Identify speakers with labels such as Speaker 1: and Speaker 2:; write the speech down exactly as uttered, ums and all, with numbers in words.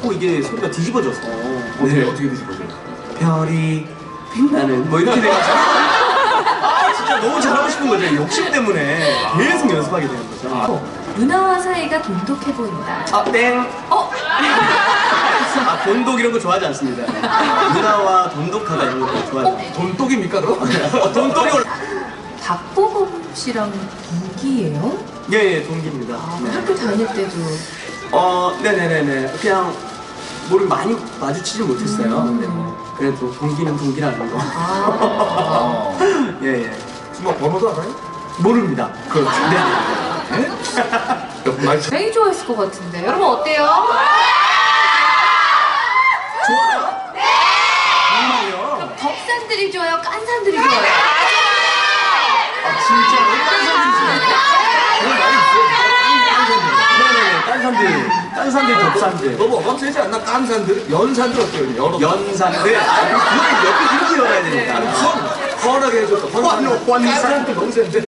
Speaker 1: 자꾸 이게 소리가 뒤집어져서.
Speaker 2: 어떻게, 네. 어떻게 뒤집어져요?
Speaker 1: 별이 빛나는 뭐 이렇게 돼가지고 아 진짜 너무 잘하고 싶은 거죠. 욕심 때문에 계속 연습하게 되는 거죠.
Speaker 3: 어, 누나와 사이가 돈독해 보인다.
Speaker 1: 아 땡.
Speaker 3: 어?
Speaker 1: 아 돈독 이런 거 좋아하지 않습니다. 누나와 돈독하다 이런 거 좋아하지 않아요.
Speaker 2: 돈독입니까 그럼?
Speaker 1: 어, 돈독이 올라.
Speaker 3: 박보검 씨랑 동기예요?
Speaker 1: 예예 동기입니다.
Speaker 3: 아,
Speaker 1: 네.
Speaker 3: 학교 다닐 때도.
Speaker 1: 어 네네네네 그냥 뭐를 많이 마주치지 못했어요.
Speaker 3: 음.
Speaker 1: 네. 그래도 동기는 동기라는 거.
Speaker 3: 아.
Speaker 1: 예예.
Speaker 2: 주먹 번호도 알아요?
Speaker 1: 모릅니다. 그렇죠. 네.
Speaker 2: 네? 말
Speaker 3: 굉장히 좋아했을 것 같은데. 여러분 어때요?
Speaker 1: 좋아요? 네! 정말요?
Speaker 3: 덕산들이 좋아요? 깐산들이 좋아요?
Speaker 1: 아 진짜로? 딴 산들 네네네 딴 산들 딴 산들 덕산들
Speaker 2: 너무 어감세지 않나? 깐산들? 연산들 어때요? 여러
Speaker 1: 연산들 아니 그걸 옆에 이렇게 열어야 되니까
Speaker 2: 헌! 헌하게 해줬어. 헌!
Speaker 1: 헌, 헌산.
Speaker 2: 깐산들 너무 센데?